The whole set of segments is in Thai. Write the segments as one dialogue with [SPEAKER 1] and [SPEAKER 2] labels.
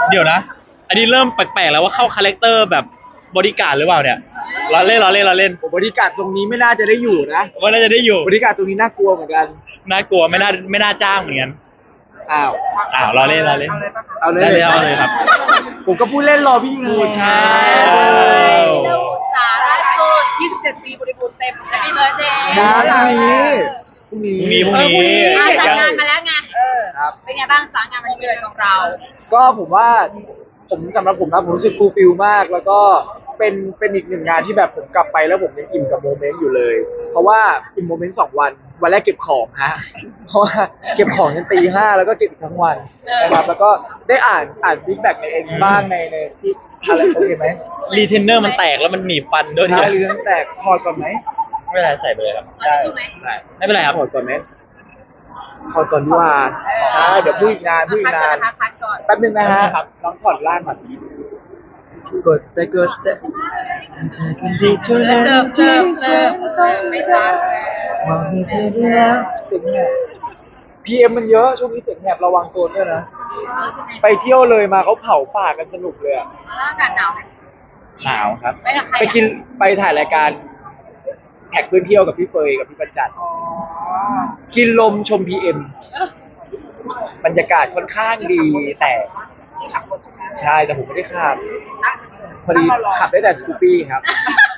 [SPEAKER 1] เดี๋ยวนะอันนี้เริ่มแปลกๆแล้วว่าเข้าคาแรคเตอร์แบบบอดี้การ์ดหรือเปล่าเนี่ยเราเล่น
[SPEAKER 2] ผมบริการตรงนี้ไม่น่าจะได้อยู่นะ
[SPEAKER 1] ว่าน่าจะได้อยู่
[SPEAKER 2] บริการตรงนี้น่ากลัวเหมือนกัน
[SPEAKER 1] น่ากลัวไม่น่าจ้างเหมือนกัน
[SPEAKER 2] อ้าว
[SPEAKER 1] เราเล่น
[SPEAKER 2] เอาเลย
[SPEAKER 1] เอาเลยครับ
[SPEAKER 2] ผมก็พูดเล่นรอพี่ยิงเลย
[SPEAKER 1] ใช่
[SPEAKER 3] พี่เต้าสาล่าสุด27 ปีบริบูรณ์เต็ม Happy Birthday
[SPEAKER 2] นะพรุ่งนี้
[SPEAKER 1] พรุ่งนี้
[SPEAKER 3] สั่งงานมาแล้วไง
[SPEAKER 2] ครับ
[SPEAKER 3] เป็นไงบ้างสั่งงานวันเกิดของเรา
[SPEAKER 2] ก็ผมว่าสำหรับผมนะผมรู้สึกฟูลฟิลมาก แล้วก็เป็นอีกหนึ่งงานที่แบบผมกลับไปแล้วผมยังอิ่มกับโมเมนต์อยู่เลย เพราะว่าอิ่มโมเมนต์2 วันแรกเก็บของฮะเพราะว่าเก็บของจนตี 5แล้วก็เก็บอีกทั้งวันนะครับแล้วก็ได้อ่านฟีดแบ็กในเอ็กซ์บ้างในที่อะไรโอเคไหม
[SPEAKER 1] รีเทนเนอร์มันแตกแล้วมันหนีบฟันด้วย
[SPEAKER 2] ใช่หรือตั้งแต่ถอดก่อนไหม
[SPEAKER 1] ไม่เป็นไรใส่ไปเลยครับ
[SPEAKER 3] ได้ใช่ไหม
[SPEAKER 1] ไม่เป็นไรครับ
[SPEAKER 2] ถอดก่อนไหมถอดก่อนดีกว่าใช่เดี๋ยวพูดอีกนาน
[SPEAKER 3] พักก่อน
[SPEAKER 2] แป๊บนึงนะฮะน้องถอดล่างก่อนกดแต่เธอคนดีเท่านั้นที่ฉันต้อง
[SPEAKER 3] ไม่ทัน
[SPEAKER 2] มองให้เธอได้แล้วเสียงแหบพีเอ็มมันเยอะช่วงนี้เสียงแหบระวังตัวด้วยนะไปเที่ยวเลยมาเขาเผาป่ากันสนุกเลยอะ
[SPEAKER 3] อากาศหนาวไหม
[SPEAKER 1] หนาวครับ
[SPEAKER 3] ไปกับใคร
[SPEAKER 2] ไปถ่ายรายการแท็กเพื่อนเที่ยวกับพี่เฟยกับพี่ประจันกินลมชมพีเอ็มบรรยากาศค่อนข้างดีแต่
[SPEAKER 3] ที่ขับรถใช่ไหม
[SPEAKER 2] ใช่แต่ผมไม่ได้ขับพอดีขับได้แต่สกูปปี้ครับ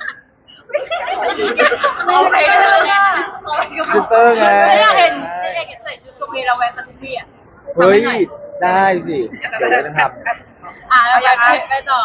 [SPEAKER 3] โอเคเลย
[SPEAKER 2] ซูเปอร์ไง
[SPEAKER 3] ไม่อยากเห็นใส่ชุดตัวเมลาแวนตันทีอ่ะ
[SPEAKER 2] เฮ้ยได้สิเดี๋ยวจะทำ
[SPEAKER 3] เราอยากไปต่อ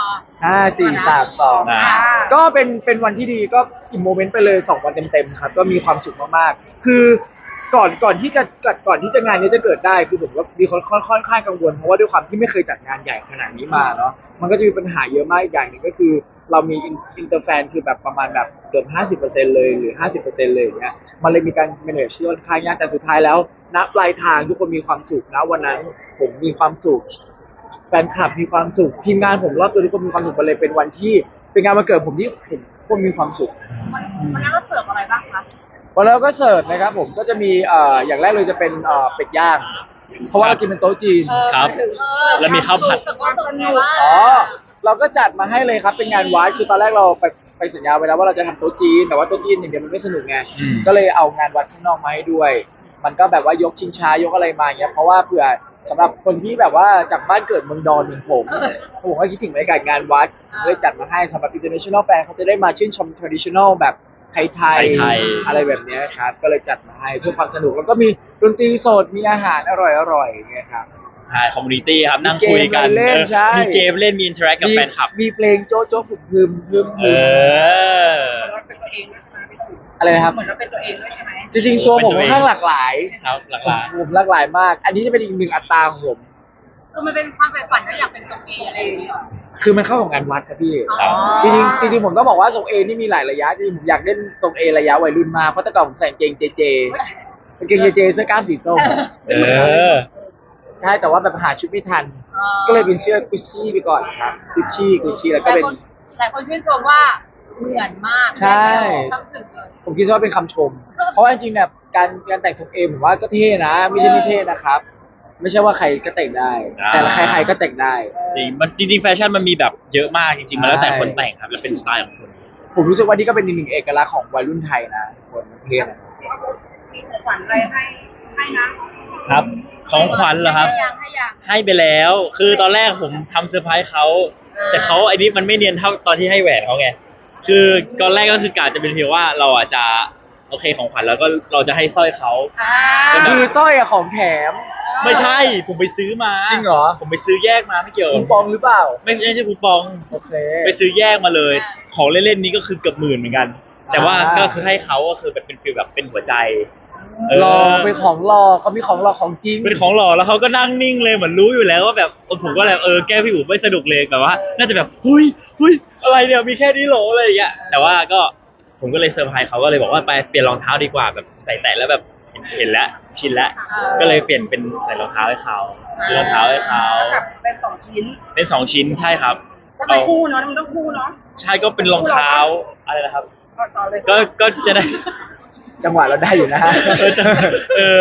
[SPEAKER 2] 5 4 3 2ก็เป็นวันที่ดีก็อิมโมเมนต์ไปเลย2 วันเต็มๆครับก็มีความสุขมากๆคือก่อนที่จะงานนี้จะเกิดได้คือผมก็มีค่อนข้างกังวลเพราะว่าด้วยความที่ไม่เคยจัดงานใหญ่ขนาดนี้มาเนาะมันก็จะมีปัญหาเยอะมากอีกอย่างหนึ่งก็คือเรามีอินเตอร์แฟนคือแบบประมาณแบบเกือบ50%เลยหรือ50%เลยอย่างเงี้ยมันเลยมีการ manage ที่ค่อนข้างยากแต่สุดท้ายแล้วณปลายทางทุกคนมีความสุขนะวันนั้นผมมีความสุข แฟนคลับมีความสุขทีมงานผมรอบตัวทุกคนมีความสุขไปเลยเป็นวันที่เป็นงานวันเกิดผมที่ผมคนมีความสุข
[SPEAKER 3] วันนั้นเราเสิร์ฟอะไรบ้างคะ
[SPEAKER 2] วันแล้วก็เสิร์ฟนะครับผมก็จะมีอย่างแรกเลยจะเป็นเป็ดย่างเพราะว่าเรากินเป็นโต๊ะจีน
[SPEAKER 1] ครับ แล้วมีข้าวผัด
[SPEAKER 3] แต่ก็ตรงนี้ว่า
[SPEAKER 2] อ๋อเราก็จัดมาให้เลยครับเป็นงานวัดคือตอนแรกเราไปสัญญาไว้แล้วว่าเราจะทำโต๊ะจีนแต่ว่าโต๊ะจีนอย่างเดียวมันไม่สนุกไง ก็เลยเอางานวัดข้างนอกมาให้ด้วย มันก็แบบว่ายกชิงช้ายกอะไรมาเงี้ยเพราะว่าเผื่อสำหรับคนที่แบบว่าจากบ้านเกิดเมืองดอนอย่างผมก็คิดถึงบรรยากาศงานวัดเลยจัดมาให้สำหรับ international fan เขาจะได้มาชื่นชม traditional แบบไทยๆอะไรแบบเนี้ยครับก็เลยจัดมาให้เพื่อความสนุกแล้วก็มีดนตรีสดมีอาหารอร่อยๆอย่างเงี้ยครับ
[SPEAKER 1] ใช่คอมมูนิตี้ครับนั่งคุยกัน
[SPEAKER 2] มีเกมเล่นใช่
[SPEAKER 1] มีเกมเล่นมีอินเทอร์แอคกับแฟนคลับ
[SPEAKER 2] มีเพลงโจ๊ะโจ๊ะพึม
[SPEAKER 1] เออ
[SPEAKER 3] เราเป็นตัวเองด้วยใช่ไหม
[SPEAKER 2] อะไรนะครับ
[SPEAKER 3] เหมือนเราเป็นตัวเองด้วยใช่ไหม
[SPEAKER 2] จริงๆตัวผมค่อนข้างหลากหลาย
[SPEAKER 1] ครับหลัก
[SPEAKER 2] ผมหลากหลายมาก อันนี้จะเป็นอีกหนึ่งอัตราของผม
[SPEAKER 3] คือมันเป็นความใฝ่ฝันที่อยากเป็นตัวเองอะไรอย่างเงี้ย
[SPEAKER 2] คือมันเข้ากับงานวัดครับพี่
[SPEAKER 3] อ๋อ
[SPEAKER 2] จริงๆผมต้องบอกว่าทรงเอนี่มีหลายระยะจริงๆผมอยากเล่นทรงเอระยะวัยรุ่นมากเพราะแต่ก่อนผมใส่กางเกงเจเจกางเกงเจเจเสื้อกล้ามสีส้ม
[SPEAKER 1] ๆ
[SPEAKER 2] ใช่แต่ว่าแบบหาชุดไม่ทัน ก็เลยเป็นเสื้อกุชชี่ไปก่อนครับกุชชี่แล้วก็เป็น
[SPEAKER 3] หลายคนชื่นชมว่าเหมือนมาก
[SPEAKER 2] ใช่
[SPEAKER 3] ต้องถึงเลย
[SPEAKER 2] ผมคิดว่าเป็นคำชม เพราะว่าจริงๆเนี่ยการแต่งทรงเอผมว่าก็เท่นะ ไม่ใช่ไม่เท่นะครับ ไม่ใช่ว่าใครก็แต่งได้ แต่ใครๆก็แต่งได้
[SPEAKER 1] จริงมันจริงๆแฟชั่นมันมีแบบเยอะมากจริงๆมันแล้วแต่คนแต่งครับแล้วเป็นสไตล์ของคน
[SPEAKER 2] ผมรู้สึกว่านี่ก็เป็นอีกหนึ่งเอกลักษณ์ของวัยรุ่นไทยนะคนเท่นะ
[SPEAKER 3] มีของขวัญอะไรให้นะครับ
[SPEAKER 1] ของขวัญเหรอครับ
[SPEAKER 3] ให้ยัง
[SPEAKER 1] ให้ไปแล้ว คือตอนแรกผมทำเซอร์ไพรส์เขาแต่เขาไอ้นี่มันไม่เนียนเท่าตอนที่ให้แหวนเขาไงคือตอนแรกก็คือกะจะเป็นเพียงว่าเราอาจจะโอเคของขวัญแล้วก็เราจะให้สร้อยเขา
[SPEAKER 2] คือสร้อยอะของแถม
[SPEAKER 1] ไม่ใช่ผมไปซื้อมา
[SPEAKER 2] จริงเหรอ
[SPEAKER 1] ผมไปซื้อแยกมาไม่เกี่ยว
[SPEAKER 2] คูปองหรือเปล่า
[SPEAKER 1] ไม่ใช่คูปอง
[SPEAKER 2] โอเค
[SPEAKER 1] ไปซื้อแยกมาเลย ของเล่นๆนี้ก็คือเกือบหมื่นเหมือนกัน แต่ว่าก็คือให้เขาก็คือเป็นฟีลแบบเป็นหัวใจ
[SPEAKER 2] รอเป็นของรอเขามีของรอของจริง
[SPEAKER 1] เป็นของหล่อแล้วเขาก็นั่งนิ่งเลยเหมือนรู้อยู่แล้วว่าแบบผมก็แบบแก้พี่อู๋ไม่สนุกเลยแบบว่าน่าจะแบบหุ้ยอะไรเนี่ยมีแค่นี้โหรออะไรอย่างเงี้ยแต่ว่าก็ผมก็เลยเซอร์ไพรส์เขาก็เลยบอกว่าไปเปลี่ยนรองเท้าดีกว่าแบบใส่แตะแล้วแบบเห็นแล้วชินแล้วก็เลยเปลี่ยนเป็นใส่รองเท้าให้เขาซื้อรองเท้าให้เขา
[SPEAKER 3] เป็น2 ชิ้น
[SPEAKER 1] เป็น2 ชิ้นใช่ครับ
[SPEAKER 3] ก็ต้องคู่เนาะมันต้องคู่เนาะ
[SPEAKER 1] ใช่ก็เป็นรองเท้าอะไรนะครับ
[SPEAKER 3] ต่อเลย
[SPEAKER 1] ก็จะได้
[SPEAKER 2] จังหวะเราได้อยู่นะฮะ
[SPEAKER 1] ก็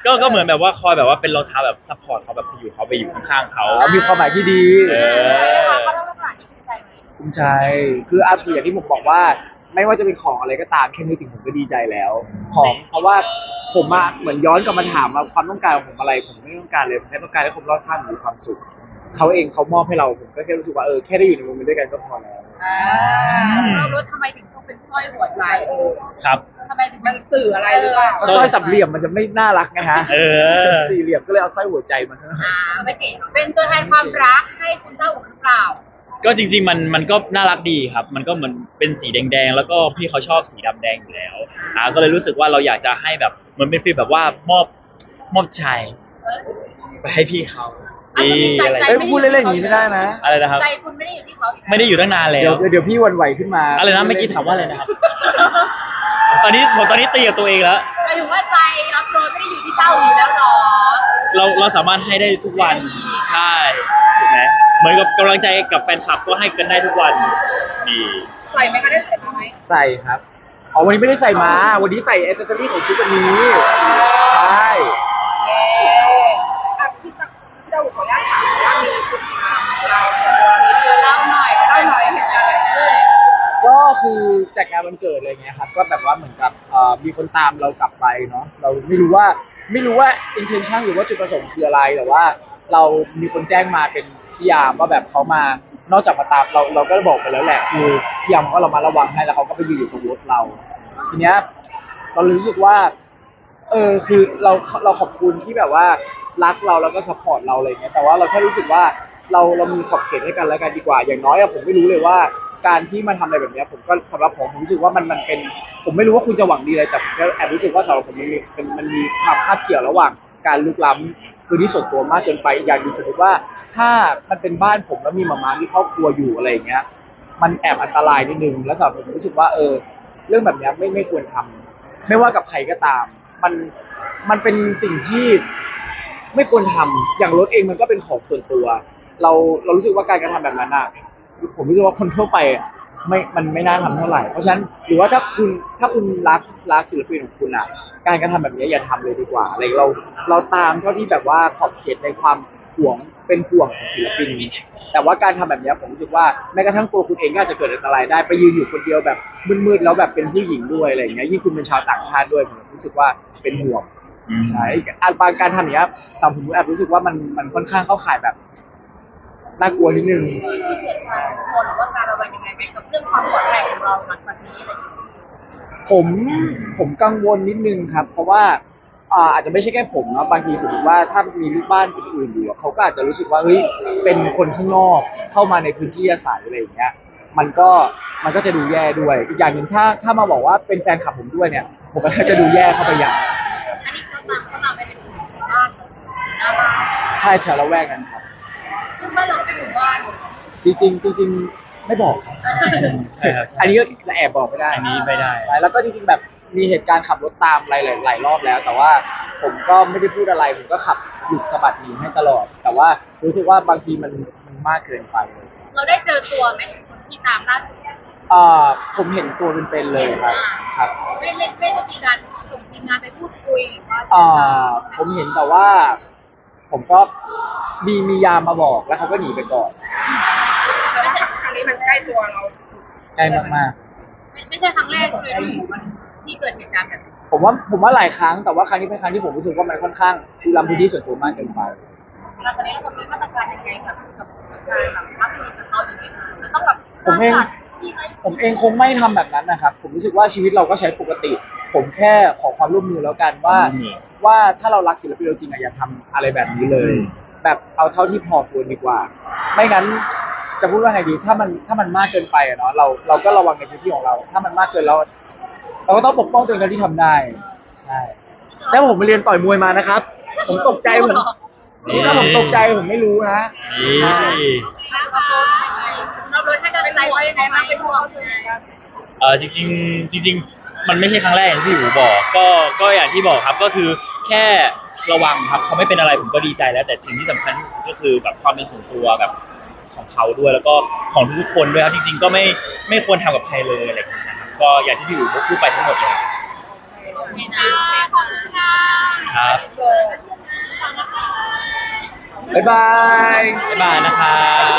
[SPEAKER 1] ก็เหมือนแบบว่าคอยแบบว่าเป็นรองเท้าแบบซัพพอร์ตเขาแบบอยู่เขาไปอยู่ข้างๆเขา
[SPEAKER 2] มีความหมายที่ดี
[SPEAKER 1] เออ
[SPEAKER 3] เขาต้องลักษณะนี้ภูมิใจไหม
[SPEAKER 2] ภูมิใจคืออย่างที่ผมบอกว่า ไม่ว่าจะเป็นของอะไรก็ตามแค่นึกถึงผมก็ดีใจแล้ว ของเพราะว่าผมอะเหมือนย้อนกลับมาถามว่าความต้องการของผมอะไรผมไม่ต้องการเลยผมแค่ต้องการให้คนรอบข้างมีความสุขเขาเองเขามอบให้เราผมก็แค่รู้สึกว่าแค่ได้อยู่ในโมเมนต์ด้วยกันก็พอแล้ว
[SPEAKER 3] เรารู้ทำไมถึงต้องเป็นสร้อยหัวใจ
[SPEAKER 1] ครับ
[SPEAKER 3] ทำไมถึงมันสื่ออะไรหรือเปล่า
[SPEAKER 2] สร้อยสามเหลี่ยมมันจะไม่น่ารักไงฮะ
[SPEAKER 1] เออ
[SPEAKER 2] สี่เหลี่ยมก็เลยเอาสร้อยหัวใจมาซะหน่อย
[SPEAKER 3] ไม่เก๋เป็นตัวแทนความรักให้คุณเจ้าอุ่นหรือเปล่า
[SPEAKER 1] ก็จริงๆมันก็น่ารักดีครับ มันก็เหมือนเป็นสีแดงๆแล้วก็พี่เขาชอบสีดำแดงอยู่แล้วก็เลยรู้สึกว่าเราอยากจะให้แบบเหมือนเป็นฟีลแบบว่ามอบชัยไปให้พี่เขาอะไร
[SPEAKER 2] พูดเล่นๆอย่างนี้ไม่ได้นะ
[SPEAKER 1] อะไรนะครับ
[SPEAKER 3] ใจคุณไม่ได้อยู่ที่เขา
[SPEAKER 1] ไม่ได้อยู่ตั้งนานแล้
[SPEAKER 2] เดี๋ยว
[SPEAKER 1] ว
[SPEAKER 2] เดี๋ยวพี่หวันไหวขึ้นมา
[SPEAKER 1] อะไรนะเมื่อกี้ถามว่าอะไรนะครับ ตอนนี้ตีกับตัวเองแล้ว
[SPEAKER 3] หมายถึงว่าใจอัพโหลดไม่ได้อยู่ที่เจ้าอยู่แล้วหรอ
[SPEAKER 1] เราสามารถให้ได้ทุกวันใช่ถูกไหมเหมือนกับกำลังใจกับแฟนคลับก็ให้กันได้ทุกวันนี่
[SPEAKER 3] ใส่ไหมคะได้ใส่ไหม
[SPEAKER 2] ใส่ครับวันนี้ไม่ได้ใส่มาวันนี้ใส่แอคเซสซอรี่ของชุดวันนี้ใช่
[SPEAKER 3] พี่เจ้าขออนุญาตถามว่ามีคุณเล่าหน่อยเหตุการณ์อะไรขึ้น
[SPEAKER 2] ก็คือจากงานวันเกิดอะไรเงี้ยครับก็แบบว่าเหมือนกับมีคนตามเรากลับไปเนาะเราไม่รู้ว่า intention หรือว่าจุดประสงค์คืออะไรแต่ว่าเรามีคนแจ้งมาเป็นพี่ยามว่าแบบเขามานอกจากมาตามเราก็บอกไปแล้วแหละคือพี่ยามก็เรามาระวังให้แล้วเขาก็ไปยืนอยู่ตรงรถเราทีเนี้ยเรารู้สึกว่าคือเราขอบคุณที่แบบว่ารักเราแล้วก็ซัพพอร์ตเราอะไรเงี้ยแต่ว่าเราแค่รู้สึกว่าเรามีขอบเขตให้กันแล้วกันดีกว่าอย่างน้อยผมไม่รู้เลยว่าการที่มาทำอะไรแบบนี้ผมก็สำหรับผมรู้สึกว่ามันเป็นผมไม่รู้ว่าคุณจะหวังดีอะไรแต่ผมก็แอบรู้สึกว่าสำหรับผมมันมีความคาดเกี่ยวระหว่างการลุกล้ำพื้นที่ส่วนตัวมากเกินไปอีกอย่างหนึงสมมติว่าถ้ามันเป็นบ้านผมแล้วมีหมาที่ครอบครัวอยู่อะไรอย่างเงี้ยมันแอบอันตรายนิดนึงแล้วสำหรับผมรู้สึกว่าเรื่องแบบนี้ไม่ควรทำไม่ว่ากับใครก็ตามมันเป็นสิ่งที่ไม่ควรทำอย่างรถเองมันก็เป็นของส่วนตัวเรารู้สึกว่าการกระทำแบบนั้นอ่ะผมรู้สึกว่าคนทั่วไปมันไม่น่าทำเท่าไหร่เพราะฉะนั้นหรือว่าถ้าคุณรักศิลปินของคุณอ่ะการกระทำแบบนี้อย่าทำเลยดีกว่าอะไรเราตามเท่าที่แบบว่าขอบเขตในความห่วงเป็นห่วงของศิลปินแต่ว่าการทำแบบนี้ผมรู้สึกว่าแม้กระทั่งตัวคุณเองก็อาจจะเกิดอันตรายได้ไปยืนอยู่คนเดียวแบบมืดๆแล้วแบบเป็นผู้หญิงด้วยอะไรอย่างเงี้ยยิ่งคุณเป็นชาวต่างชาติด้วยผมรู้สึกว่าเป็นห่วงใช่การทำอย่างนี้ยสำหรับผมแอบรู้สึกว่ามันค่อนข้างเข้าข่ายแบบน่ากลัวนิดนึง
[SPEAKER 3] มีเหตุการณ์คนหรือว่าการระแวงยังไงไหมกับเรื่องความปลอดภัยของเราหลังจากนี้อะไรอย่างเงี้ย
[SPEAKER 2] ผมกังวลนิดนึงครับ เพราะว่าอาจจะไม่ใช่แค่ผมนะบางทีสมมติว่าถ้ามีลูกบ้านคนอื่นอยู่เขาก็อาจจะรู้สึกว่าเฮ้ยเป็นคนข้างนอกเข้ามาในพื้นที่อาศัยอะไรอย่างเงี้ยมันก็จะดูแย่ด้วยอีกอย่างหนึ่งถ้ามาบอกว่าเป็นแฟนคลับผมด้วยเนี่ยผมก็จะดูแย่เข้าไปอย่าง
[SPEAKER 3] อันนี้เขาตามไปในหมู่บ้านหน้าบ้าน
[SPEAKER 2] ใช่แถวละแวกนั้นครับ
[SPEAKER 3] ซึ่งบ้านเราก็เป็นหมู่บ้าน
[SPEAKER 2] จริงๆไม่บอกครับ
[SPEAKER 1] ใช่ครับ
[SPEAKER 2] อันนี้ก็แอบบอกไม่ได้
[SPEAKER 1] อันนี้ไม่ได้
[SPEAKER 2] ใช่แล้วก็จริงๆแบบมีเหตุการณ์ขับรถตามหลายรอบแล้ว แต่ว่าผมก็ไม่ได้พูดอะไรผมก็ขับหยุดสะบัดหนีให้ตลอด แต่ว่ารู้สึกว่าบางทีมันมากเกินไปเลย
[SPEAKER 3] เราได้เจอตัวไหมคนที่ตามล่าสุด
[SPEAKER 2] ผมเห็นตัวเป็นๆเลยครับครับ
[SPEAKER 3] ไม่ได้มีการส่งทีมงานไปพูดคุยหรือว่า
[SPEAKER 2] ผมเห็นแต่ว่า ผมก็มียามมาบอกแล้วเขาก็หนีไปก่อน
[SPEAKER 3] ไม่ใช่ครั้งนี้มันใกล้ตัวเรา
[SPEAKER 2] ใกล้มาก
[SPEAKER 3] ไม่ใช่ครั้งแรกใช่ไหมที่เกิดเหตุการณ์แบบนี้
[SPEAKER 2] ๆผมว่าหลายครั้งแต่ว่าครั้งนี้เป็นครั้งที่ผมรู้สึกว่ามันค่อนข้างลุกล้ำพื้นที่ส่วนตัวมากเกินไป
[SPEAKER 3] แล้วตอนนี้เรามีมาตรการยังไงกับการแบบรับมือกับเขาอย่างนี้จะต้องแบบ
[SPEAKER 2] ผมเองคงไม่ทำแบบนั้นนะครับ ผมรู้สึกว่าชีวิตเราก็ใช้ปกติ ผมแค่ขอความร่วมมือแล้วกันว่าถ้าเรารักศิลปินจริงๆอย่าทำอะไรแบบนี้เลย แบบเอาเท่าที่พอควรดีกว่า ไม่งั้นจะพูดว่าไงดีถ้ามันมากเกินไปอะเนาะเราก็ระวังในพื้นที่ของเรา ถ้ามันมากเกินเราก็ต้องปกป้องตัวเองที่ทำได้ใช่แล้วผมไปเรียนต่อยมวยมานะครับ ผมตกใจถ้าผมตกใจผมไม่รู้นะ
[SPEAKER 1] นี่
[SPEAKER 3] เราโดนให้กำลังใจว่ายังไงบ้างเป็นห่วงคือไง
[SPEAKER 1] จริงมันไม่ใช่ครั้งแรกอย่างที่พี่อู๋บอกก็อย่างที่บอกครับก็คือแค่ระวังครับเขาไม่เป็นอะไรผมก็ดีใจแล้ว แต่สิ่งที่สำคัญที่สุดก็คือแบบความเป็นส่วนตัวแบบของเขาด้วยแล้วก็ของทุกๆคนด้วยครับจริงๆก็ไม่ควรทำกับใครเลยอะไรอย่างเงี้ยนะครับก็อย่างที่พี่อู๋พูดไปทั้งหมดเลย
[SPEAKER 3] โอเคนะขอบคุณค่ะ
[SPEAKER 1] ครับ
[SPEAKER 2] บ๊ายบาย
[SPEAKER 1] บ๊ายบายนะครับ